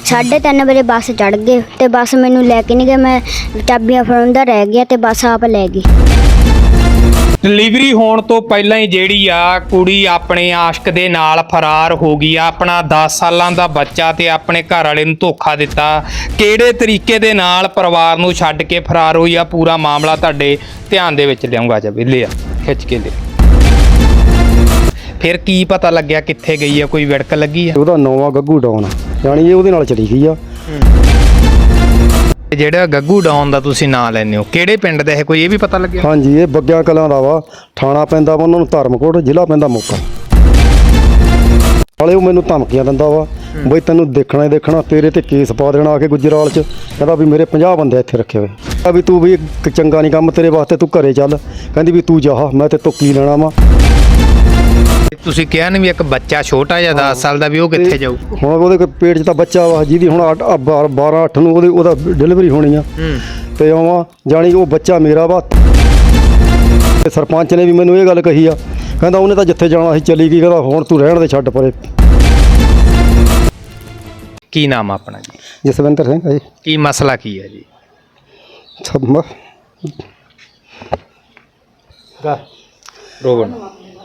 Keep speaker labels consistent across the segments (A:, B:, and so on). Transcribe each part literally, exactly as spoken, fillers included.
A: साढ़े तीन बजे बस चढ़ गए तो बस मैनू लैके नहीं गए, मैं चाबियां फड़ाउंदा रह गया तो बस आप लै गई।
B: डिलीवरी होने तो पहला ही ਜਿਹੜੀ ਆ ਕੁੜੀ ਆਪਣੇ ਆਸ਼ਕ ਦੇ ਨਾਲ ਫਰਾਰ ਹੋ ਗਈ ਆ। ਆਪਣਾ दस ਸਾਲਾਂ ਦਾ ਬੱਚਾ ਤੇ ਆਪਣੇ ਘਰ ਵਾਲੇ ਨੂੰ ਧੋਖਾ ਦਿੱਤਾ। ਕਿਹੜੇ ਤਰੀਕੇ ਦੇ ਨਾਲ ਪਰਿਵਾਰ ਨੂੰ ਛੱਡ ਕੇ ਫਰਾਰ ਹੋਈ ਆ, ਪੂਰਾ ਮਾਮਲਾ ਤੁਹਾਡੇ ਧਿਆਨ ਦੇ ਵਿੱਚ ਲਿਆਉਂਗਾ। ਜਾ ਵੇਲੇ ਆ ਖਿੱਚ ਕੇ ਲੈ। ਫਿਰ ਕੀ ਪਤਾ ਲੱਗਿਆ ਕਿੱਥੇ ਗਈ ਆ, ਕੋਈ ਵਿੜਕ ਲੱਗੀ ਆ?
C: ਉਹਦਾ ਨੌਵਾਂ ਗੱਗੂ ਡਾਉਨ ਯਾਨੀ ਇਹ ਉਹਦੇ ਨਾਲ ਚਲੀ ਗਈ ਆ।
B: ਜਿਹੜਾ ਗੱਗੂ ਡਾਉਨ ਦਾ ਤੁਸੀਂ ਨਾਂ ਲੈਂਦੇ ਹੋ, ਕਿਹੜੇ ਪਿੰਡ ਦਾ ਹੈ, ਕੋਈ ਇਹ ਵੀ ਪਤਾ ਲੱਗਿਆ?
C: ਹਾਂਜੀ, ਇਹ ਬੱਗਿਆ ਕਲਾਂ ਦਾ ਵਾ। ਥਾਣਾ ਪੈਂਦਾ ਵਾ ਉਹਨਾਂ ਨੂੰ ਧਰਮਕੋਟ, ਜ਼ਿਲ੍ਹਾ ਪੈਂਦਾ ਮੋਗਾ। ਨਾਲੇ ਉਹ ਮੈਨੂੰ ਧਮਕੀਆਂ ਦਿੰਦਾ ਵਾ ਬਈ ਤੈਨੂੰ ਦੇਖਣਾ ਹੀ ਦੇਖਣਾ, ਤੇਰੇ ਤੇ ਕੇਸ ਪਾ ਦੇਣਾ ਆ ਕੇ ਗੁਜਰਾਲ 'ਚ। ਕਹਿੰਦਾ ਵੀ ਮੇਰੇ ਪੰਜਾਹ ਬੰਦੇ ਇੱਥੇ ਰੱਖੇ ਹੋਏ ਆ ਵੀ ਤੂੰ ਵੀ ਇੱਕ ਚੰਗਾ ਨਹੀਂ ਕੰਮ ਤੇਰੇ ਵਾਸਤੇ, ਤੂੰ ਘਰੇ ਚੱਲ। ਕਹਿੰਦੀ ਵੀ ਤੂੰ ਜਾ, ਮੈਂ ਤੇ ਤੋਂ ਕੀ ਲੈਣਾ ਵਾ।
B: ਤੁਸੀਂ ਕਿਹਾ ਨਹੀਂ ਵੀ ਇੱਕ ਬੱਚਾ ਛੋਟਾ ਜਿਹਾ ਦਸ ਸਾਲ ਦਾ, ਵੀ ਉਹ ਕਿੱਥੇ ਜਾਊ?
C: ਹੁਣ ਉਹਦੇ ਪੇਟ 'ਚ ਤਾਂ ਬੱਚਾ ਵਾ ਜਿਹਦੀ ਹੁਣ ਬਾਰਾਂ ਅੱਠ ਨੂੰ ਉਹਦੇ ਉਹਦਾ ਡਿਲੀਵਰੀ ਹੋਣੀ ਆ। ਤੇ ਆਵਾਂ ਜਾਣੀ ਉਹ ਬੱਚਾ ਮੇਰਾ ਵਾ। ਸਰਪੰਚ ਨੇ ਵੀ ਮੈਨੂੰ ਇਹ ਗੱਲ ਕਹੀ ਆ, ਕਹਿੰਦਾ ਉਹਨੇ ਤਾਂ ਜਿੱਥੇ ਜਾਣਾ ਸੀ ਚਲੀ ਗਈ, ਕਹਿੰਦਾ ਹੁਣ ਤੂੰ ਰਹਿਣ ਦੇ, ਛੱਡ ਪਰੇ।
B: ਕੀ ਨਾਮ ਆ ਆਪਣਾ ਜੀ?
C: ਜਸਵਿੰਦਰ ਸਿੰਘ ਜੀ।
B: ਕੀ ਮਸਲਾ ਕੀ ਹੈ ਜੀ?
C: ਸਭ
B: ਰੋਵਣ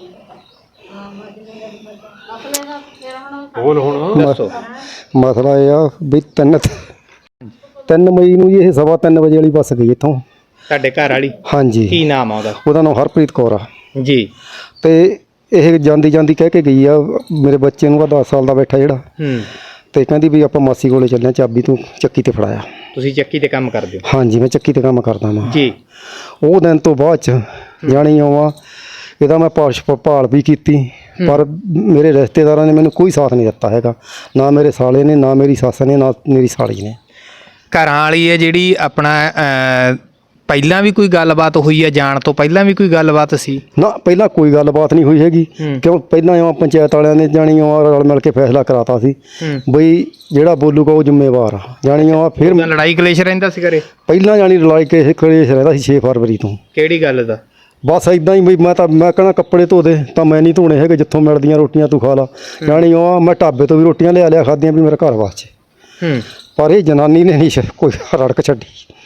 B: ਬੋਲ ਹੁਣ ਦੱਸੋ।
C: ਮਸਲਾ ਇਹ ਆ ਵੀ ਤਿੰਨ ਤਿੰਨ ਮਈ ਨੂੰ ਇਹ ਸਵਾ ਤਿੰਨ ਵਜੇ ਵਾਲੀ ਬੱਸ ਗਈ ਇੱਥੋਂ।
B: ਤੁਹਾਡੇ ਘਰ ਵਾਲੀ?
C: ਹਾਂਜੀ।
B: ਕੀ ਨਾਮ ਆ ਉਹਦਾ?
C: ਉਹਦਾ ਨਾਮ ਹਰਪ੍ਰੀਤ ਕੌਰ ਆ
B: ਜੀ।
C: ਤੇ ਇਹ ਜਾਂਦੀ ਜਾਂਦੀ ਕਹਿ ਕੇ ਗਈ ਆ ਮੇਰੇ ਬੱਚੇ ਨੂੰ, ਆ ਦਸ ਸਾਲ ਦਾ ਬੈਠਾ ਜਿਹੜਾ,
B: ਹੂੰ,
C: ਤੇ ਕਹਿੰਦੀ ਵੀ ਆਪਾਂ ਮਾਸੀ ਕੋਲੇ ਚੱਲੇ, ਚਾਬੀ ਤੂੰ ਚੱਕੀ ਤੇ ਫੜਾਇਆ।
B: ਤੁਸੀਂ ਚੱਕੀ ਤੇ ਕੰਮ ਕਰਦੇ ਹੋ?
C: ਹਾਂਜੀ, ਮੈਂ ਚੱਕੀ ਤੇ ਕੰਮ ਕਰਦਾ ਵਾਂ
B: ਜੀ।
C: ਉਹ ਦਿਨ ਤੋਂ ਬਾਅਦ ਚ ਜਾਣੀ ਆਵਾਂ ਇਹਦਾ ਮੈਂ ਪਾਸ਼ ਭਾਲ ਵੀ ਕੀਤੀ, ਪਰ ਮੇਰੇ ਰਿਸ਼ਤੇਦਾਰਾਂ ਨੇ ਮੈਨੂੰ ਕੋਈ ਸਾਥ ਨਹੀਂ ਦਿੱਤਾ ਹੈਗਾ, ਨਾ ਮੇਰੇ ਸਾਲੇ ਨੇ, ਨਾ ਮੇਰੀ ਸੱਸ ਨੇ, ਨਾ ਮੇਰੀ ਸਾਲੀ ਨੇ।
B: ਘਰਾਂ ਵਾਲੀ ਹੈ ਜਿਹੜੀ ਆਪਣਾ ਅਹ, ਪਹਿਲਾਂ ਵੀ ਕੋਈ ਗੱਲਬਾਤ ਹੋਈ ਹੈ? ਜਾਣ ਤੋਂ ਪਹਿਲਾਂ ਵੀ ਕੋਈ ਗੱਲਬਾਤ ਸੀ?
C: ਨਾ, ਪਹਿਲਾਂ ਕੋਈ ਗੱਲਬਾਤ ਨਹੀਂ ਹੋਈ ਹੈਗੀ, ਕਿਉਂ ਪਹਿਲਾਂ ਆ ਪੰਚਾਇਤ ਵਾਲਿਆਂ ਨੇ ਜਾਣੀ ਆ ਰਲ ਮਿਲ ਕੇ ਫੈਸਲਾ ਕਰਾਤਾ ਸੀ ਬਈ ਜਿਹੜਾ ਬੋਲੂਗਾ ਉਹ ਜ਼ਿੰਮੇਵਾਰ ਆ। ਜਾਣੀ ਆ ਫਿਰ
B: ਲੜਾਈ ਕਲੇਸ਼ ਰਹਿੰਦਾ ਸੀ ਘਰੇ
C: ਪਹਿਲਾਂ ਜਾਣੀ ਲੜਾਈ ਕੇ ਕਲੇਸ਼ ਰਹਿੰਦਾ ਸੀ ਛੇ ਫਰਵਰੀ ਤੋਂ।
B: ਕਿਹੜੀ ਗੱਲ ਦਾ?
C: ਬਸ ਇਦਾਂ ਹੀ ਬਈ ਮੈਂ ਤਾਂ ਮੈਂ ਕਹਿਣਾ ਕੱਪੜੇ ਧੋ ਦੇ, ਤਾਂ ਮੈਂ ਨਹੀਂ ਧੋਣੇ ਹੈਗੇ, ਜਿੱਥੋਂ ਮਿਲਦੀਆਂ ਰੋਟੀਆਂ ਤੂੰ ਖਾ ਲਾ। ਜਾਣੀ ਉਹ ਮੈਂ ਢਾਬੇ ਤੋਂ ਵੀ ਰੋਟੀਆਂ ਲਿਆ ਲਿਆ ਖਾਧੀਆਂ ਵੀ ਮੇਰੇ ਘਰ ਵਾਸਤੇ।
B: ਹੂੰ। ਪਰ
C: ਇਹ ਜਨਾਨੀ ਨੇ ਨਹੀਂ ਕੋਈ ਰੜਕ ਛੱਡੀ।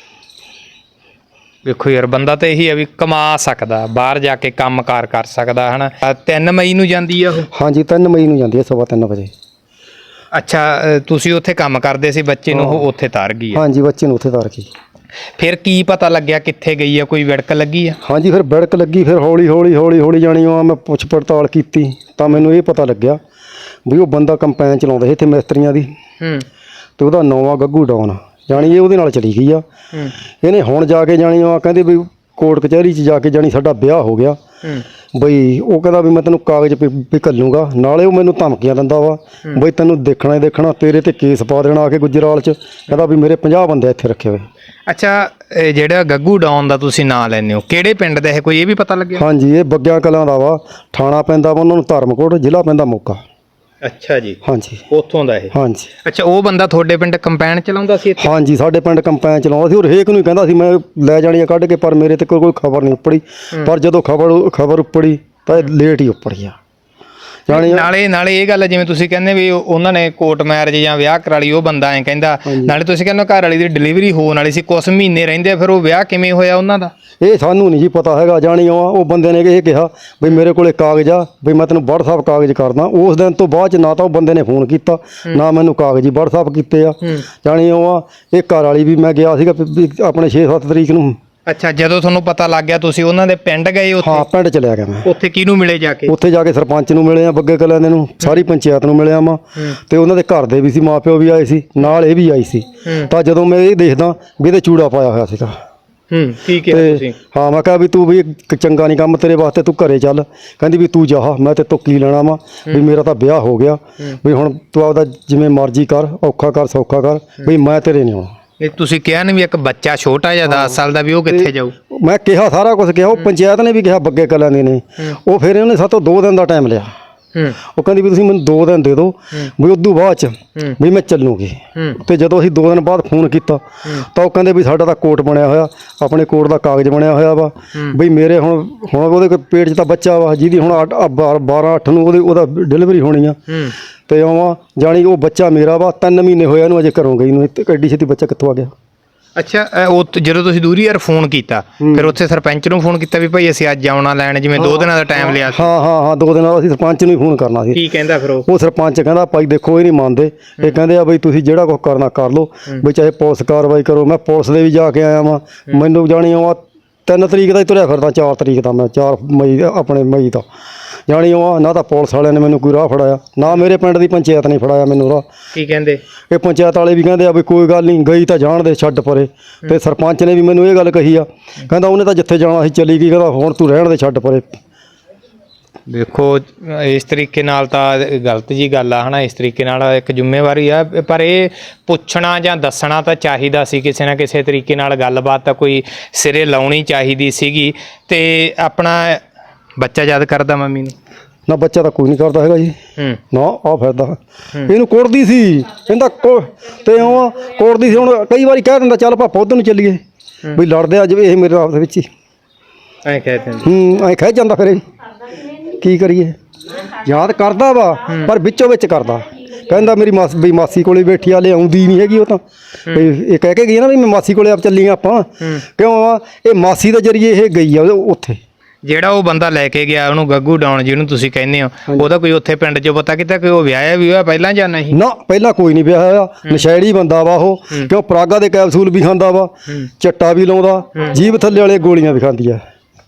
B: ਵੇਖੋ ਯਾਰ, ਬੰਦਾ ਤਾਂ ਇਹੀ ਹੈ ਵੀ ਕਮਾ ਸਕਦਾ, ਬਾਹਰ ਜਾ ਕੇ ਕੰਮ ਕਾਰ ਕਰ ਸਕਦਾ, ਹਨਾ। ਤਿੰਨ ਮਈ ਨੂੰ ਜਾਂਦੀ ਆ ਉਹ?
C: ਹਾਂਜੀ, ਤਿੰਨ ਮਈ ਨੂੰ ਜਾਂਦੀ ਹੈ ਸਵਾ ਤਿੰਨ ਵਜੇ।
B: ਅੱਛਾ, ਤੁਸੀਂ ਉੱਥੇ ਕੰਮ ਕਰਦੇ ਸੀ, ਬੱਚੇ ਨੂੰ ਉਹ ਉੱਥੇ ਤਾਰ ਗਈ?
C: ਹਾਂਜੀ, ਬੱਚੇ ਨੂੰ ਉੱਥੇ ਤਾਰ ਗਈ।
B: ਫਿਰ ਕੀ ਪਤਾ ਲੱਗਿਆ ਕਿੱਥੇ ਗਈ ਆ, ਕੋਈ ਵਿੜਕ ਲੱਗੀ ਆ?
C: ਹਾਂਜੀ, ਫਿਰ ਵਿੜਕ ਲੱਗੀ। ਫਿਰ ਹੌਲੀ ਹੌਲੀ ਹੌਲੀ ਹੌਲੀ ਜਾਣੀ ਉਹ ਮੈਂ ਪੁੱਛ ਪੜਤਾਲ ਕੀਤੀ ਤਾਂ ਮੈਨੂੰ ਇਹ ਪਤਾ ਲੱਗਿਆ ਵੀ ਉਹ ਬੰਦਾ ਕੰਪੈਨ ਚਲਾਉਂਦਾ ਸੀ ਇੱਥੇ ਮਿਸਤਰੀਆਂ ਦੀ।
B: ਹੂੰ।
C: ਤੇ ਉਹਦਾ ਨੌਵਾਂ ਗੱਗੂ ਡਾਉਨ ਜਾਣੀ ਇਹ ਉਹਦੇ ਨਾਲ ਚਲੀ ਗਈ ਆ। ਇਹਨੇ ਹੁਣ ਜਾ ਕੇ ਜਾਣੀ ਆ ਕਹਿੰਦੇ ਵੀ ਕੋਰਟ ਕਚਹਿਰੀ 'ਚ ਜਾ ਕੇ ਜਾਣੀ ਸਾਡਾ ਵਿਆਹ ਹੋ ਗਿਆ ਬਈ। ਉਹ ਕਹਿੰਦਾ ਵੀ ਮੈਂ ਤੈਨੂੰ ਕਾਗਜ਼ ਵੀ ਘੱਲੂਗਾ, ਨਾਲੇ ਉਹ ਮੈਨੂੰ ਧਮਕੀਆਂ ਦਿੰਦਾ ਵਾ ਬਈ ਤੈਨੂੰ ਦੇਖਣਾ ਹੀ ਦੇਖਣਾ, ਤੇਰੇ ਤੇ ਕੇਸ ਪਾ ਦੇਣਾ ਆ ਕੇ ਗੁਜਰਾਲ 'ਚ। ਕਹਿੰਦਾ ਵੀ ਮੇਰੇ ਪੰਜਾਹ ਬੰਦੇ ਇੱਥੇ ਰੱਖੇ ਹੋਏ।
B: ਅੱਛਾ, ਜਿਹੜਾ ਗੱਗੂ ਡਾਉਨ ਦਾ ਤੁਸੀਂ ਨਾਂ ਲੈਂਦੇ ਹੋ, ਕਿਹੜੇ ਪਿੰਡ ਦਾ ਹੈ, ਕੋਈ ਇਹ ਵੀ ਪਤਾ ਲੱਗਿਆ?
C: ਹਾਂਜੀ, ਇਹ ਬੱਗਿਆ ਕਲਾਂ ਦਾ ਵਾ। ਥਾਣਾ ਪੈਂਦਾ ਵਾ ਉਹਨਾਂ ਨੂੰ ਧਰਮਕੋਟ, ਜ਼ਿਲ੍ਹਾ ਪੈਂਦਾ ਮੋਗਾ।
B: ਅੱਛਾ ਜੀ।
C: ਹਾਂਜੀ,
B: ਉੱਥੋਂ ਦਾ ਇਹ? ਹਾਂਜੀ।
C: ਅੱਛਾ,
B: ਉਹ ਬੰਦਾ ਤੁਹਾਡੇ ਪਿੰਡ ਕੰਪੈਨ ਚਲਾਉਂਦਾ ਸੀ ਇੱਥੇ?
C: ਹਾਂਜੀ, ਸਾਡੇ ਪਿੰਡ ਕੰਪੈਨ ਚਲਾਉਂਦਾ ਸੀ। ਉਹ ਹਰੇਕ ਨੂੰ ਹੀ ਕਹਿੰਦਾ ਸੀ ਮੈਂ ਲੈ ਜਾਣੀਆਂ ਕੱਢ ਕੇ, ਪਰ ਮੇਰੇ ਤੇ ਕੋਈ ਕੋਈ ਖਬਰ ਨਹੀਂ ਉੱਪੜੀ। ਪਰ ਜਦੋਂ ਖਬਰ ਖਬਰ ਉੱਪੜੀ ਤਾਂ ਇਹ ਲੇਟ ਹੀ ਉੱਪੜੀ ਆ। ਜਾਣੀ
B: ਨਾਲੇ ਨਾਲੇ ਇਹ ਗੱਲ ਜਿਵੇਂ ਤੁਸੀਂ ਕਹਿੰਦੇ ਵੀ ਉਹਨਾਂ ਨੇ ਕੋਰਟ ਮੈਰਿਜ ਜਾਂ ਵਿਆਹ ਕਰਾ ਲਈ, ਉਹ ਬੰਦਾ ਐਂ ਕਹਿੰਦਾ। ਨਾਲੇ ਤੁਸੀਂ ਕਹਿੰਦੇ ਘਰ ਵਾਲੀ ਦੀ ਡਿਲੀਵਰੀ ਹੋਣ ਵਾਲੀ ਸੀ, ਕੁਛ ਮਹੀਨੇ ਰਹਿੰਦੇ, ਫਿਰ ਉਹ ਵਿਆਹ ਕਿਵੇਂ ਹੋਇਆ ਉਹਨਾਂ ਦਾ?
C: ਇਹ ਸਾਨੂੰ ਨਹੀਂ ਜੀ ਪਤਾ ਹੈਗਾ। ਜਾਣੀ ਉਹ ਬੰਦੇ ਨੇ ਇਹ ਕਿਹਾ ਵੀ ਮੇਰੇ ਕੋਲੇ ਕਾਗਜ਼ ਆ, ਵੀ ਮੈਂ ਤੈਨੂੰ ਵਟਸਐਪ ਕਾਗਜ਼ ਕਰਦਾ। ਉਸ ਦਿਨ ਤੋਂ ਬਾਅਦ 'ਚ ਨਾ ਤਾਂ ਉਹ ਬੰਦੇ ਨੇ ਫੋਨ ਕੀਤਾ, ਨਾ ਮੈਨੂੰ ਕਾਗਜ਼ ਹੀ ਵਟਸਐਪ ਕੀਤੇ ਆ। ਜਾਣੀ ਉਹ ਇਹ ਘਰ ਵਾਲੀ ਵੀ ਮੈਂ ਗਿਆ ਸੀਗਾ ਆਪਣੇ ਛੇ ਸੱਤ ਤਰੀਕ ਨੂੰ।
B: ਅੱਛਾ, ਜਦੋਂ ਤੁਹਾਨੂੰ ਪਤਾ ਲੱਗ ਗਿਆ ਤੁਸੀਂ ਉਹਨਾਂ ਦੇ ਪਿੰਡ ਗਏ? ਉੱਥੇ?
C: ਹਾਂ, ਪਿੰਡ ਚਲਿਆ ਗਿਆ ਮੈਂ।
B: ਉੱਥੇ ਕਿਹਨੂੰ ਮਿਲੇ ਜਾ ਕੇ?
C: ਉੱਥੇ ਜਾ ਕੇ ਸਰਪੰਚ ਨੂੰ ਮਿਲੇ ਆ, ਬੱਗੇ ਕਲਾਂ ਦੇ ਨੂੰ, ਸਾਰੀ ਪੰਚਾਇਤ ਨੂੰ ਮਿਲਿਆ ਵਾ। ਤੇ ਉਹਨਾਂ ਦੇ ਘਰ ਦੇ ਵੀ ਸੀ, ਮਾਂ ਪਿਓ ਵੀ ਆਏ ਸੀ ਨਾਲ, ਇਹ ਵੀ ਆਈ ਸੀ। ਤਾਂ ਜਦੋਂ ਮੈਂ ਇਹ ਦੇਖਦਾ ਵੀ ਇਹਦੇ ਚੂੜਾ ਪਾਇਆ ਹੋਇਆ ਸੀਗਾ।
B: ਹੂੰ, ਠੀਕ ਹੈ ਤੁਸੀਂ?
C: ਹਾਂ, ਮੈਂ ਕਿਹਾ ਵੀ ਤੂੰ ਵੀ ਇੱਕ ਚੰਗਾ ਨਹੀਂ ਕੰਮ ਤੇਰੇ ਵਾਸਤੇ, ਤੂੰ ਘਰੇ ਚੱਲ। ਕਹਿੰਦੀ ਵੀ ਤੂੰ ਜਾ, ਮੈਂ ਤੇ ਤੋਂ ਕੀ ਲੈਣਾ ਵਾ, ਵੀ ਮੇਰਾ ਤਾਂ ਵਿਆਹ ਹੋ ਗਿਆ, ਵੀ ਹੁਣ ਤੂੰ ਆਪਦਾ ਜਿਵੇਂ ਮਰਜ਼ੀ ਕਰ, ਔਖਾ ਕਰ ਸੌਖਾ ਕਰ, ਵੀ ਮੈਂ ਤੇਰੇ ਨਹੀਂ ਆਉਣਾ।
B: ਇਹ ਤੁਸੀਂ ਕਿਹਾ ਨਹੀਂ ਵੀ ਇੱਕ ਬੱਚਾ ਛੋਟਾ ਜਿਹਾ ਦਸ ਸਾਲ ਦਾ, ਵੀ ਉਹ ਕਿੱਥੇ ਜਾਊ?
C: ਮੈਂ ਕਿਹਾ ਸਾਰਾ ਕੁਝ ਕਿਹਾ, ਉਹ ਪੰਚਾਇਤ ਨੇ ਵੀ ਕਿਹਾ, ਬੱਗੇ ਕਲਾਂ ਦੇ ਨੇ। ਉਹ ਫਿਰ ਉਹਨੇ ਸਾਤੋਂ ਦੋ ਦਿਨ ਦਾ ਟਾਈਮ ਲਿਆ। ਉਹ ਕਹਿੰਦੀ ਵੀ ਤੁਸੀਂ ਮੈਨੂੰ ਦੋ ਦਿਨ ਦੇ ਦਿਓ, ਵੀ ਉਦੋਂ ਬਾਅਦ 'ਚ ਵੀ ਮੈਂ ਚੱਲੂਗੀ। ਤੇ ਜਦੋਂ ਅਸੀਂ ਦੋ ਦਿਨ ਬਾਅਦ ਫੋਨ ਕੀਤਾ ਤਾਂ ਉਹ ਕਹਿੰਦੇ ਵੀ ਸਾਡਾ ਤਾਂ ਕੋਰਟ ਬਣਿਆ ਹੋਇਆ, ਆਪਣੇ ਕੋਰਟ ਦਾ ਕਾਗਜ਼ ਬਣਿਆ ਹੋਇਆ ਵਾ, ਬਈ ਮੇਰੇ ਹੁਣ ਹੁਣ ਉਹਦੇ ਪੇਟ 'ਚ ਤਾਂ ਬੱਚਾ ਵਾ ਜਿਹਦੀ ਹੁਣ ਬਾਰਾਂ ਅੱਠ ਨੂੰ ਉਹਦੇ ਉਹਦਾ ਡਿਲੀਵਰੀ ਹੋਣੀ ਆ। ਤੇ ਆਵਾਂ ਜਾਣੀ ਉਹ ਬੱਚਾ ਮੇਰਾ ਵਾ, ਤਿੰਨ ਮਹੀਨੇ ਹੋਏ ਇਹਨੂੰ ਅਜੇ ਘਰੋਂ ਗਈ ਨੂੰ, ਇੱਥੇ ਐਡੀ ਛੇਤੀ ਬੱਚਾ ਕਿੱਥੋਂ ਆ ਗਿਆ।
B: ਅੱਛਾ ਅ, ਉਹ ਤ- ਜਦੋਂ ਤੁਸੀਂ ਦੂਰੀ ਯਾਰ ਫੋਨ ਕੀਤਾ ਫਿਰ ਉੱਥੇ ਸਰਪੰਚ ਨੂੰ ਫੋਨ ਕੀਤਾ ਵੀ ਭਾਈ ਅਸੀਂ ਅੱਜ ਆਉਣਾ ਲੈਣ, ਜਿਵੇਂ ਦੋ ਦਿਨਾਂ ਦਾ ਟਾਈਮ ਲਿਆ ਸੀ?
C: ਹਾਂ ਹਾਂ ਹਾਂ ਦੋ ਦਿਨ ਅਸੀਂ ਸਰਪੰਚ ਨੂੰ ਹੀ ਫੋਨ ਕਰਨਾ ਸੀ।
B: ਕੀ ਕਹਿੰਦਾ ਫਿਰ ਉਹ?
C: ਉਹ ਸਰਪੰਚ ਕਹਿੰਦਾ ਭਾਈ ਦੇਖੋ ਇਹ ਨਹੀਂ ਮੰਨਦੇ, ਇਹ ਕਹਿੰਦੇ ਆ ਬਈ ਤੁਸੀਂ ਜਿਹੜਾ ਕੁਝ ਕਰਨਾ ਕਰ ਲਓ, ਵੀ ਚਾਹੇ ਪੁਲਿਸ ਕਾਰਵਾਈ ਕਰੋ। ਮੈਂ ਪੁਲਿਸ ਦੇ ਵੀ ਜਾ ਕੇ ਆਇਆ ਵਾਂ, ਮੈਨੂੰ ਜਾਣੀ ਉਹ ਤਿੰਨ ਤਰੀਕ ਦਾ ਹੀ ਤੁਰਿਆ ਫਿਰਦਾ, ਚਾਰ ਤਰੀਕ ਦਾ ਮੈਂ ਚਾਰ ਮਈ ਆਪਣੇ ਮਈ ਦਾ ਜਾਣੀ ਉਹ ਨਾ ਤਾਂ ਪੁਲਿਸ ਵਾਲਿਆਂ ਨੇ ਮੈਨੂੰ ਕੋਈ ਰਾਹ ਫੜਾਇਆ, ਨਾ ਮੇਰੇ ਪਿੰਡ ਦੀ ਪੰਚਾਇਤ ਨੇ ਫੜਾਇਆ ਮੈਨੂੰ ਰਾਹ।
B: ਕੀ ਕਹਿੰਦੇ?
C: ਇਹ ਪੰਚਾਇਤ ਵਾਲੇ ਵੀ ਕਹਿੰਦੇ ਆ ਵੀ ਕੋਈ ਗੱਲ ਨਹੀਂ, ਗਈ ਤਾਂ ਜਾਣ ਦੇ, ਛੱਡ ਪਰੇ। ਤੇ ਸਰਪੰਚ ਨੇ ਵੀ ਮੈਨੂੰ ਇਹ ਗੱਲ ਕਹੀ ਆ, ਕਹਿੰਦਾ ਉਹਨੇ ਤਾਂ ਜਿੱਥੇ ਜਾਣਾ ਸੀ ਚਲੀ ਗਈ, ਕਹਿੰਦਾ ਹੁਣ ਤੂੰ ਰਹਿਣ ਦੇ, ਛੱਡ ਪਰੇ।
B: ਦੇਖੋ ਇਸ ਤਰੀਕੇ ਨਾਲ ਤਾਂ ਗਲਤ ਜੀ ਗੱਲ ਆ ਹਨਾ, ਇਸ ਤਰੀਕੇ ਨਾਲ ਇੱਕ ਜ਼ਿੰਮੇਵਾਰੀ ਆ, ਪਰ ਇਹ ਪੁੱਛਣਾ ਜਾਂ ਦੱਸਣਾ ਤਾਂ ਚਾਹੀਦਾ ਸੀ, ਕਿਸੇ ਨਾ ਕਿਸੇ ਤਰੀਕੇ ਨਾਲ ਗੱਲਬਾਤ ਤਾਂ ਕੋਈ ਸਿਰੇ ਲਾਉਣੀ ਚਾਹੀਦੀ ਸੀਗੀ। ਤੇ ਆਪਣਾ ਬੱਚਾ ਯਾਦ ਕਰਦਾ ਮੰਮੀ ਨੂੰ?
C: ਨਾ ਬੱਚਾ ਤਾਂ ਕੋਈ ਨਹੀਂ ਕਰਦਾ ਹੈਗਾ ਜੀ,
B: ਹੂੰ
C: ਨਾ ਆ ਫਿਰਦਾ ਇਹਨੂੰ ਕੋੜਦੀ ਸੀ, ਕਹਿੰਦਾ ਕੋ ਤੇ ਉਹ ਕੋੜਦੀ ਸੀ। ਹੁਣ ਕਈ ਵਾਰੀ ਕਹਿ ਦਿੰਦਾ ਚੱਲ ਪਾਪਾ ਉੱਧਰ ਨੂੰ ਚੱਲੀਏ, ਵੀ ਲੜਦੇ ਆ ਜਿਵੇਂ ਇਹ ਮੇਰੇ ਆਪ ਦੇ ਵਿੱਚ ਹੀ
B: ਐਂ ਕਹਿ ਦਿੰਦੇ।
C: ਹੂੰ ਐਂ ਖਹਿ ਜਾਂਦਾ, ਫਿਰ ਇਹ ਕੀ ਕਰੀਏ। ਯਾਦ ਕਰਦਾ ਵਾ ਪਰ ਵਿੱਚੋਂ ਵਿੱਚ ਕਰਦਾ, ਕਹਿੰਦਾ ਮੇਰੀ ਮਾਸ ਵੀ ਮਾਸੀ ਕੋਲੇ ਬੈਠੀ ਆ, ਲੈ ਆਉਂਦੀ ਨਹੀਂ ਹੈਗੀ ਉਹ ਤਾਂ। ਵੀ ਇਹ ਕਹਿ ਕੇ ਗਈ ਨਾ ਵੀ ਮੈਂ ਮਾਸੀ ਕੋਲੇ ਆਪ ਚੱਲੀ ਆ ਆਪਾਂ, ਕਿਉਂ ਆ ਇਹ ਮਾਸੀ ਦੇ ਜਰੀਏ ਇਹ ਗਈ ਆ ਉੱਥੇ।
B: ਜਿਹੜਾ ਉਹ ਬੰਦਾ ਲੈ ਕੇ ਗਿਆ ਉਹਨੂੰ ਗੱਗੂ ਡਾਉਣ ਜਿਹਨੂੰ ਤੁਸੀਂ ਕਹਿੰਦੇ ਹੋ, ਉਹਦਾ ਕੋਈ ਉੱਥੇ ਪਿੰਡ 'ਚ ਪਤਾ ਕੀਤਾ ਕਿ ਉਹ ਵਿਆਹਿਆ ਵੀ ਹੋਇਆ ਪਹਿਲਾਂ ਜਾਂ ਨਹੀਂ?
C: ਨਾ ਪਹਿਲਾਂ ਕੋਈ ਨਹੀਂ ਵਿਆਹਿਆ ਹੋਇਆ, ਨਸ਼ੈੜੀ ਬੰਦਾ ਵਾ ਉਹ, ਕਿਉਂ ਪਰਾਗਾ ਦੇ ਕੈਪਸੂਲ ਵੀ ਖਾਂਦਾ ਵਾ, ਚੱਟਾ ਵੀ ਲਾਉਂਦਾ, ਜੀਭ ਥੱਲੇ ਵਾਲੇ ਗੋਲੀਆਂ ਵੀ ਖਾਂਦੀ ਆ,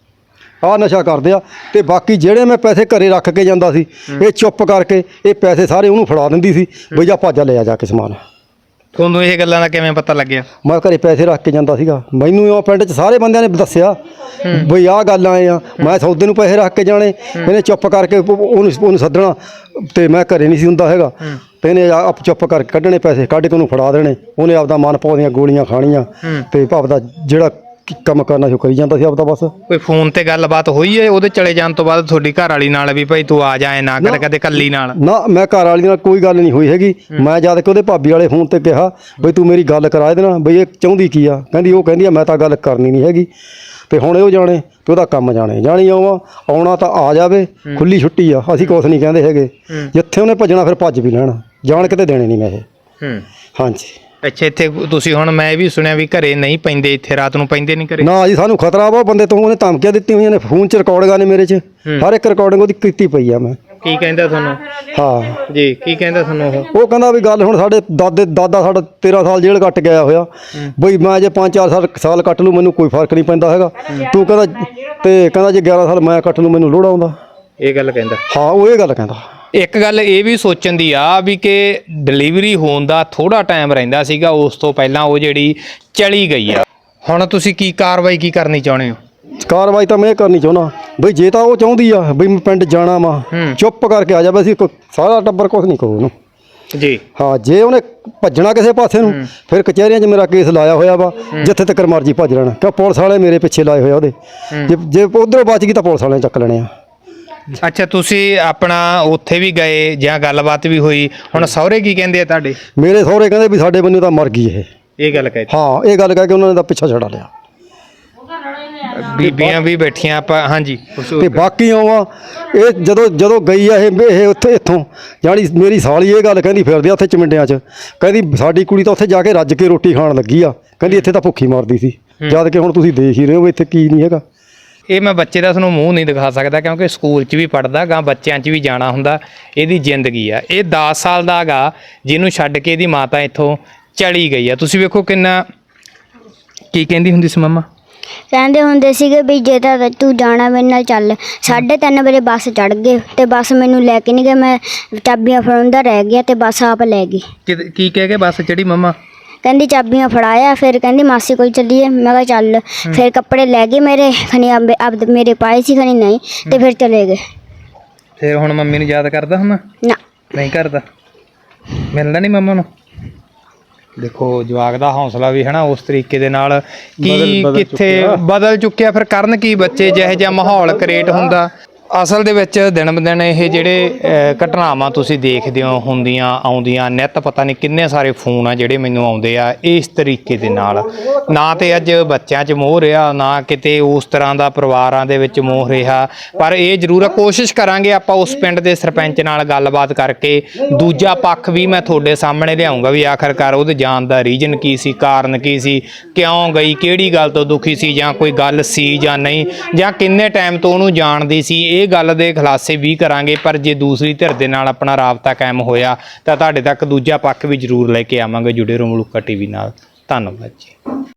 C: ਆਹ ਨਸ਼ਾ ਕਰਦੇ ਆ। ਤੇ ਬਾਕੀ ਜਿਹੜੇ ਮੈਂ ਪੈਸੇ ਘਰੇ ਰੱਖ ਕੇ ਜਾਂਦਾ ਸੀ, ਇਹ ਚੁੱਪ ਕਰਕੇ ਇਹ ਪੈਸੇ ਸਾਰੇ ਉਹਨੂੰ ਫੜਾ ਦਿੰਦੀ ਸੀ, ਬਈ ਜਾ ਭੱਜ ਲਿਆ ਜਾ ਕੇ ਸਮਾਨ।
B: ਤੁਹਾਨੂੰ ਇਹ ਗੱਲਾਂ ਦਾ ਕਿਵੇਂ ਪਤਾ ਲੱਗਿਆ?
C: ਮੈਂ ਘਰੇ ਪੈਸੇ ਰੱਖ ਕੇ ਜਾਂਦਾ ਸੀਗਾ, ਮੈਨੂੰ ਉਹ ਪਿੰਡ 'ਚ ਸਾਰੇ ਬੰਦਿਆਂ ਨੇ ਦੱਸਿਆ ਬਈ ਆਹ ਗੱਲ ਆਏ ਆ, ਮੈਂ ਸੌਦੇ ਨੂੰ ਪੈਸੇ ਰੱਖ ਕੇ ਜਾਣੇ, ਇਹਨੇ ਚੁੱਪ ਕਰਕੇ ਉਹਨੂੰ ਉਹਨੂੰ ਸੱਦਣਾ, ਤੇ ਮੈਂ ਘਰੇ ਨਹੀਂ ਸੀ ਹੁੰਦਾ ਹੈਗਾ, ਤੇ ਇਹਨੇ ਆਪ ਚੁੱਪ ਕਰਕੇ ਕੱਢਣੇ ਪੈਸੇ, ਕੱਢ ਕੇ ਉਹਨੂੰ ਫੜਾ ਦੇਣੇ, ਉਹਨੇ ਆਪਦਾ ਮਨ ਪਾਉਂਦੀਆਂ ਗੋਲੀਆਂ ਖਾਣੀਆਂ, ਤੇ ਆਪਦਾ ਜਿਹੜਾ ਕੰਮ ਕਰਨਾ ਸੀ ਉਹ ਕਰੀ ਜਾਂਦਾ ਸੀ ਆਪਦਾ ਬਸ।
B: ਕੋਈ ਫੋਨ ਤੇ ਗੱਲਬਾਤ ਹੋਈ ਹੈ ਉਹਦੇ ਚਲੇ ਜਾਣ ਤੋਂ ਬਾਅਦ ਤੁਹਾਡੀ ਘਰ ਵਾਲੀ ਨਾਲ ਵੀ ਭਾਈ ਤੂੰ ਆ ਜਾ, ਨਾ ਕਰ ਕਦੇ ਕੱਲੀ ਨਾਲ?
C: ਨਾ ਮੈਂ ਘਰ ਵਾਲੀ ਨਾਲ ਕੋਈ ਗੱਲ ਨਹੀਂ ਹੋਈ ਹੈਗੀ। ਮੈਂ ਜਦ ਕਿ ਉਹਦੇ ਭਾਬੀ ਵਾਲੇ ਫੋਨ ਤੇ ਕਿਹਾ ਬਈ ਤੂੰ ਮੇਰੀ ਗੱਲ ਕਰਾ ਇਹਦੇ ਨਾਲ, ਬਈ ਇਹ ਚਾਹੁੰਦੀ ਕੀ ਆ, ਕਹਿੰਦੀ ਉਹ ਕਹਿੰਦੀ ਆ ਮੈਂ ਤਾਂ ਗੱਲ ਕਰਨੀ ਨਹੀਂ ਹੈਗੀ, ਤੇ ਹੁਣ ਉਹ ਜਾਣੇ ਤੇ ਉਹਦਾ ਕੰਮ ਜਾਣੇ। ਜਾਣੀ ਆਵਾਂ ਆਉਣਾ ਤਾਂ ਆ ਜਾਵੇ, ਖੁੱਲੀ ਛੁੱਟੀ ਆ, ਅਸੀਂ ਕੁਛ ਨਹੀਂ ਕਹਿੰਦੇ ਹੈਗੇ, ਜਿੱਥੇ ਉਹਨੇ ਭੱਜਣਾ ਫਿਰ ਭੱਜ ਵੀ ਲੈਣਾ, ਜਾਣ ਕਿਤੇ ਦੇਣੇ ਨਹੀਂ ਮੈਂ ਇਹ। ਹਾਂਜੀ।
B: ਅੱਛਾ ਇੱਥੇ ਤੁਸੀਂ ਹੁਣ ਮੈਂ ਇਹ ਵੀ ਸੁਣਿਆ ਵੀ ਘਰੇ ਨਹੀਂ ਪੈਂਦੇ, ਇੱਥੇ ਰਾਤ ਨੂੰ ਪੈਂਦੇ ਨਹੀਂ ਘਰੇ?
C: ਨਾ ਜੀ ਸਾਨੂੰ ਖਤਰਾ ਵਾ ਬੰਦੇ ਤੋਂ, ਉਹਨੇ ਧਮਕੀਆਂ ਦਿੱਤੀਆਂ ਹੋਈਆਂ ਨੇ, ਫੋਨ 'ਚ ਰਿਕਾਰਡਿੰਗਾਂ ਨੇ ਮੇਰੇ 'ਚ, ਹਰ ਇੱਕ ਰਿਕਾਰਡਿੰਗ ਉਹਦੀ ਕੀਤੀ ਪਈ ਆ ਮੈਂ।
B: ਕੀ ਕਹਿੰਦਾ ਤੁਹਾਨੂੰ?
C: ਹਾਂ
B: ਜੀ ਕੀ ਕਹਿੰਦਾ ਤੁਹਾਨੂੰ ਉਹ?
C: ਉਹ ਕਹਿੰਦਾ ਵੀ ਗੱਲ ਹੁਣ ਸਾਡੇ ਦਾਦੇ ਦਾਦਾ ਸਾਡਾ ਤੇਰਾਂ ਸਾਲ ਜੇਲ੍ਹ ਕੱਟ ਗਿਆ ਹੋਇਆ, ਬਈ ਮੈਂ ਜੇ ਪੰਜ ਚਾਰ ਸਾਲ ਸਾਲ ਕੱਟ ਲੂ ਮੈਨੂੰ ਕੋਈ ਫਰਕ ਨਹੀਂ ਪੈਂਦਾ ਹੈਗਾ, ਤੂੰ ਕਹਿੰਦਾ, ਤੇ ਕਹਿੰਦਾ ਜੇ ਗਿਆਰਾਂ ਸਾਲ ਮੈਂ ਕੱਟ ਲੂ ਮੈਨੂੰ ਲੋੜ ਆਉਂਦਾ।
B: ਇਹ ਗੱਲ ਕਹਿੰਦਾ?
C: ਹਾਂ ਉਹ ਇਹ ਗੱਲ ਕਹਿੰਦਾ।
B: ਇੱਕ ਗੱਲ ਇਹ ਵੀ ਸੋਚਣ ਦੀ ਆ ਵੀ ਕਿ ਡਿਲੀਵਰੀ ਹੋਣ ਦਾ ਥੋੜਾ ਟਾਈਮ ਰਹਿੰਦਾ ਸੀਗਾ, ਉਸ ਤੋਂ ਪਹਿਲਾਂ ਉਹ ਜਿਹੜੀ ਚਲੀ ਗਈ ਆ, ਹੁਣ ਤੁਸੀਂ ਕੀ ਕਾਰਵਾਈ ਕੀ ਕਰਨੀ ਚਾਹੁੰਦੇ ਹੋ?
C: ਕਾਰਵਾਈ ਤਾਂ ਮੈਂ ਇਹ ਕਰਨੀ ਚਾਹੁੰਦਾ ਬਈ ਜੇ ਤਾਂ ਉਹ ਚਾਹੁੰਦੀ ਆ ਬਈ ਮੈਂ ਪਿੰਡ ਜਾਣਾ ਵਾ, ਚੁੱਪ ਕਰਕੇ ਆ ਜਾਵੇ, ਅਸੀਂ ਸਾਰਾ ਟੱਬਰ ਕੁਛ ਨਹੀਂ ਕਹੂ ਉਹਨੂੰ
B: ਜੀ। ਹਾਂ
C: ਜੇ ਉਹਨੇ ਭੱਜਣਾ ਕਿਸੇ ਪਾਸੇ ਨੂੰ, ਫਿਰ ਕਚਹਿਰੀਆਂ 'ਚ ਮੇਰਾ ਕੇਸ ਲਾਇਆ ਹੋਇਆ ਵਾ, ਜਿੱਥੇ ਤੱਕ ਮਰਜ਼ੀ ਭੱਜ ਲੈਣਾ, ਕਿਉਂ ਪੁਲਿਸ ਵਾਲੇ ਮੇਰੇ ਪਿੱਛੇ ਲਾਏ ਹੋਏ ਉਹਦੇ, ਜੇ ਜੇ ਉਧਰੋਂ ਬਚ ਗਈ ਤਾਂ ਪੁਲਿਸ ਵਾਲਿਆਂ ਨੇ ਚੱਕ ਲੈਣੇ ਆ।
B: ਅੱਛਾ ਤੁਸੀਂ ਆਪਣਾ ਉੱਥੇ ਵੀ ਗਏ ਜਾਂ ਗੱਲਬਾਤ ਵੀ ਹੋਈ, ਹੁਣ ਸਹੁਰੇ ਕੀ ਕਹਿੰਦੇ ਆ ਤੁਹਾਡੇ?
C: ਮੇਰੇ ਸਹੁਰੇ ਕਹਿੰਦੇ ਵੀ ਸਾਡੇ ਬੰਦੇ ਤਾਂ ਮਰ ਗਈ ਇਹ।
B: ਇਹ ਗੱਲ ਕਹਿ?
C: ਹਾਂ ਇਹ ਗੱਲ ਕਹਿ ਕੇ ਉਹਨਾਂ ਨੇ ਤਾਂ ਪਿੱਛਾ ਛਡਾ ਲਿਆ।
B: ਬੀਬੀਆਂ ਵੀ ਬੈਠੀਆਂ ਆਪਾਂ। ਹਾਂਜੀ।
C: ਤੇ ਬਾਕੀ ਆਵਾਂ ਇਹ ਜਦੋਂ ਜਦੋਂ ਗਈ ਆ ਇਹ ਇਹ ਉੱਥੇ ਇੱਥੋਂ ਜਾਣੀ ਮੇਰੀ ਸਾਲੀ ਇਹ ਗੱਲ ਕਹਿੰਦੀ ਫਿਰਦੀ ਆ ਉੱਥੇ ਚਮਿੰਡਿਆਂ 'ਚ, ਕਹਿੰਦੀ ਸਾਡੀ ਕੁੜੀ ਤਾਂ ਉੱਥੇ ਜਾ ਕੇ ਰੱਜ ਕੇ ਰੋਟੀ ਖਾਣ ਲੱਗੀ ਆ, ਕਹਿੰਦੀ ਇੱਥੇ ਤਾਂ ਭੁੱਖੀ ਮਰਦੀ ਸੀ, ਜਦ ਕਿ ਹੁਣ ਤੁਸੀਂ ਦੇਖ ਹੀ ਰਹੇ ਹੋ ਇੱਥੇ ਕੀ ਨਹੀਂ ਹੈਗਾ।
B: ਇਹ ਮੈਂ ਬੱਚੇ ਦਾ ਤੁਹਾਨੂੰ ਮੂੰਹ ਨਹੀਂ ਦਿਖਾ ਸਕਦਾ ਕਿਉਂਕਿ ਸਕੂਲ 'ਚ ਵੀ ਪੜ੍ਹਦਾ ਗਾ, ਬੱਚਿਆਂ 'ਚ ਵੀ ਜਾਣਾ ਹੁੰਦਾ, ਇਹਦੀ ਜ਼ਿੰਦਗੀ ਆ। ਇਹ ਦਸ ਸਾਲ ਦਾ ਗਾ ਜਿਹਨੂੰ ਛੱਡ ਕੇ ਇਹਦੀ ਮਾਤਾ ਇੱਥੋਂ ਚਲੀ ਗਈ ਆ। ਤੁਸੀਂ ਵੇਖੋ ਕਿੰਨਾ, ਕੀ ਕਹਿੰਦੀ ਹੁੰਦੀ ਸੀ ਮੰਮਾ?
A: ਕਹਿੰਦੇ ਹੁੰਦੇ ਸੀਗੇ ਵੀ ਜੇ ਤਾਂ ਤੂੰ ਜਾਣਾ ਮੇਰੇ ਨਾਲ ਚੱਲ। ਸਾਢੇ ਤਿੰਨ ਵਜੇ ਬੱਸ ਚੜ੍ਹ ਗਏ ਤੇ ਬੱਸ ਮੈਨੂੰ ਲੈ ਕੇ ਨਹੀਂ ਗਏ, ਮੈਂ ਚਾਬੀਆਂ ਫੜਾਉਂਦਾ ਰਹਿ ਗਿਆ ਤੇ ਬੱਸ ਆਪ ਲੈ ਗਈ।
B: ਕੀ ਕਹਿ ਕੇ ਬੱਸ ਚੜੀ ਮੰਮਾ?
A: ਕਹਿੰਦੀ ਚਾਬੀਆਂ ਫੜਾਇਆ, ਫਿਰ ਕਹਿੰਦੀ ਮਾਸੀ ਕੋਲ ਚੱਲੀਏ, ਮੈਂ ਕਿਹਾ ਚੱਲ। ਫਿਰ ਕੱਪੜੇ ਲੈ ਗਏ ਮੇਰੇ, ਖਣੀ ਆਪ ਮੇਰੇ ਪਾਏ ਸੀ, ਖਣੀ ਨਹੀਂ, ਤੇ ਫਿਰ ਚਲੇ ਗਏ।
B: ਫਿਰ ਹੁਣ ਮੰਮੀ ਨੂੰ ਯਾਦ ਕਰਦਾ ਹੁਣ?
A: ਨਾ
B: ਨਹੀਂ ਕਰਦਾ। ਮਿਲਦਾ ਨਹੀਂ ਮੰਮਾ ਨੂੰ? ਦੇਖੋ ਜਵਾਕ ਦਾ ਹੌਸਲਾ ਵੀ ਹੈ ਨਾ ਉਸ ਤਰੀਕੇ ਦੇ ਨਾਲ ਕੀ ਕਿੱਥੇ ਬਦਲ ਚੁੱਕਿਆ। ਫਿਰ ਕਰਨ ਕੀ ਬੱਚੇ ਜਿਹੋ ਜਿਹਾ ਮਾਹੌਲ ਕ੍ਰੀਏਟ ਹੁੰਦਾ। ਅਸਲ ਦੇ ਵਿੱਚ ਦਿਨ ਬ ਦਿਨ ਇਹ ਜਿਹੜੇ ਅ, ਘਟਨਾਵਾਂ ਤੁਸੀਂ ਦੇਖਦੇ ਹੋ ਹੁੰਦੀਆਂ ਆਉਂਦੀਆਂ ਨਿੱਤ ਪਤਾ ਨਹੀਂ ਕਿੰਨੇ ਸਾਰੇ ਫੋਨ ਆ ਜਿਹੜੇ ਮੈਨੂੰ ਆਉਂਦੇ ਆ ਇਸ ਤਰੀਕੇ ਦੇ ਨਾਲ। ਨਾ ਤੇ ਅੱਜ ਬੱਚਿਆਂ 'ਚ ਮੋਹ ਰਿਹਾ, ਨਾ ਕਿਤੇ ਉਸ ਤਰ੍ਹਾਂ ਦਾ ਪਰਿਵਾਰਾਂ ਦੇ ਵਿੱਚ ਮੋਹ ਰਿਹਾ, ਪਰ ਇਹ ਜ਼ਰੂਰ ਆ, ਕੋਸ਼ਿਸ਼ ਕਰਾਂਗੇ ਆਪਾਂ ਉਸ ਪਿੰਡ ਦੇ ਸਰਪੰਚ ਨਾਲ ਗੱਲਬਾਤ ਕਰਕੇ ਦੂਜਾ ਪੱਖ ਵੀ ਮੈਂ ਤੁਹਾਡੇ ਸਾਹਮਣੇ ਲਿਆਉਂਗਾ ਵੀ ਆਖਰਕਾਰ ਉਹਦੇ ਜਾਣ ਦਾ ਰੀਜਨ ਕੀ ਸੀ, ਕਾਰਨ ਕੀ ਸੀ, ਕਿਉਂ ਗਈ, ਕਿਹੜੀ ਗੱਲ ਤੋਂ ਦੁਖੀ ਸੀ, ਜਾਂ ਕੋਈ ਗੱਲ ਸੀ ਜਾਂ ਨਹੀਂ, ਜਾਂ ਕਿੰਨੇ ਟਾਈਮ ਤੋਂ ਉਹਨੂੰ ਜਾਣਦੀ ਸੀ, ਇਹ ਗੱਲ ਦੇ ਖੁਲਾਸੇ ਵੀ ਕਰਾਂਗੇ। ਪਰ ਜੇ ਦੂਸਰੀ ਧਿਰ ਦੇ ਨਾਲ ਆਪਣਾ ਰਾਬਤਾ ਕਾਇਮ ਹੋਇਆ ਤਾਂ ਤੁਹਾਡੇ ਤੱਕ ਦੂਜਾ ਪੱਖ ਵੀ ਜ਼ਰੂਰ ਲੈ ਕੇ ਆਵਾਂਗੇ। ਜੁੜੇ ਰਹੋ ਮਲੂਕਾ ਟੀਵੀ ਨਾਲ। ਧੰਨਵਾਦ ਜੀ।